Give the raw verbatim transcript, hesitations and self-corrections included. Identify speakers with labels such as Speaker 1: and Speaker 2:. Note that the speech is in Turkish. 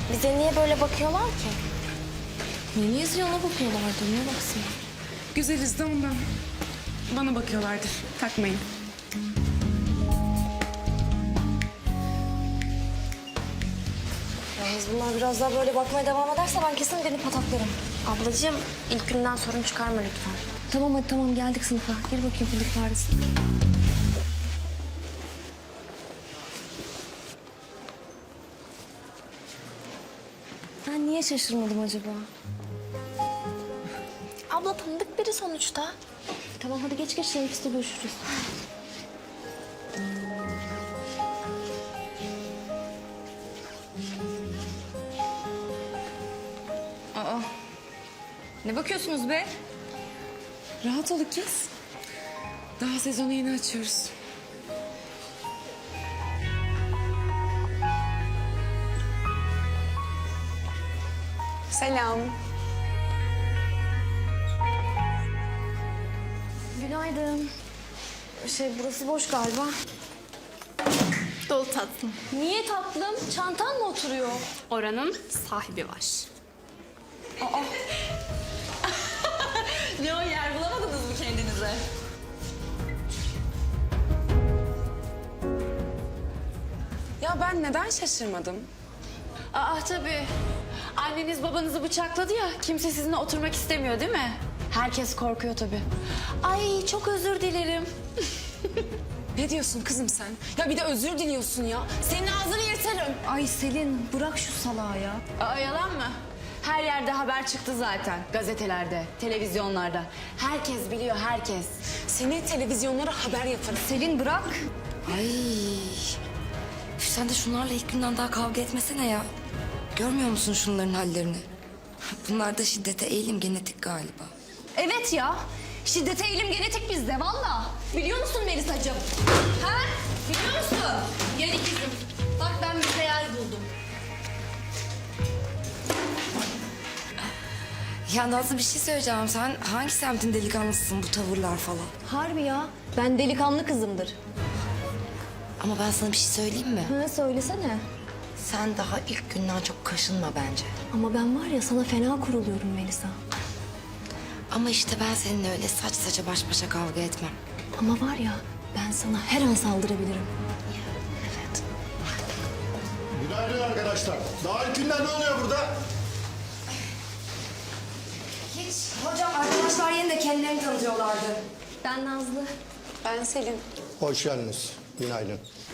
Speaker 1: Bize niye böyle bakıyorlar ki?
Speaker 2: Niye yazıyor ona bakıyorlardı, niye baksın?
Speaker 3: Güzeliz de ondan. Bana bakıyorlardır. Takmayın.
Speaker 1: Yalnız bunlar biraz daha böyle bakmaya devam ederse ben kesin beni pataklarım.
Speaker 2: Ablacığım ilk günden sorun çıkarma lütfen.
Speaker 1: Tamam hadi tamam geldik sınıfa. Gir bakayım fındık faresi. Ben niye şaşırmadım acaba?
Speaker 2: Abla tanıdık biri sonuçta.
Speaker 1: Tamam hadi geç geç teneffüste görüşürüz.
Speaker 4: Aa, ne bakıyorsunuz be?
Speaker 3: Rahat ol kız. Daha sezonu yeni açıyoruz. Selam.
Speaker 1: Günaydın. Şey burası boş galiba.
Speaker 4: Dolu tatlım.
Speaker 1: Niye tatlım? Çantan mı oturuyor?
Speaker 4: Oranın sahibi var.
Speaker 5: Ne o, yer bulamadınız mı kendinize?
Speaker 3: Ya ben neden şaşırmadım?
Speaker 5: Aa tabii. Anneniz babanızı bıçakladı ya, kimse sizinle oturmak istemiyor değil mi? Herkes korkuyor tabii. Ay çok özür dilerim.
Speaker 3: Ne diyorsun kızım sen? Ya bir de özür diliyorsun ya. Senin ağzını yırtarım.
Speaker 1: Ay Selin bırak şu salağı ya.
Speaker 5: Aa yalan mı? Her yerde haber çıktı zaten. Gazetelerde, televizyonlarda. Herkes biliyor, herkes.
Speaker 3: Seni televizyonlara haber yaparım.
Speaker 1: Selin bırak.
Speaker 2: Ay. Üf, sen de şunlarla ilk günden daha kavga etmesene ya. Görmüyor musun şunların hallerini? Bunlar da şiddete eğilim genetik galiba.
Speaker 1: Evet ya. Şiddete eğilim genetik bizde valla. Biliyor musun Melisacığım? Ha? Biliyor musun? Gel ikizim. Bak ben bir hayal buldum.
Speaker 2: Ya Nazlı bir şey söyleyeceğim. Sen hangi semtin delikanlısısın bu tavırlar falan?
Speaker 1: Harbi ya. Ben delikanlı kızımdır.
Speaker 2: Ama ben sana bir şey söyleyeyim mi?
Speaker 1: Ha söylesene.
Speaker 2: Sen daha ilk günden çok kaşınma bence.
Speaker 1: Ama ben var ya sana fena kuruluyorum Melisa.
Speaker 2: Ama işte ben seninle öyle saç saça baş başa kavga etmem.
Speaker 1: Ama var ya ben sana her an saldırabilirim.
Speaker 2: Evet.
Speaker 6: Günaydın arkadaşlar. Daha ilk günden ne oluyor burada?
Speaker 2: Hiç. Hocam arkadaşlar yeni de kendilerini tanıtıyorlardı.
Speaker 1: Ben Nazlı.
Speaker 3: Ben Selin.
Speaker 6: Hoş geldiniz. Günaydın.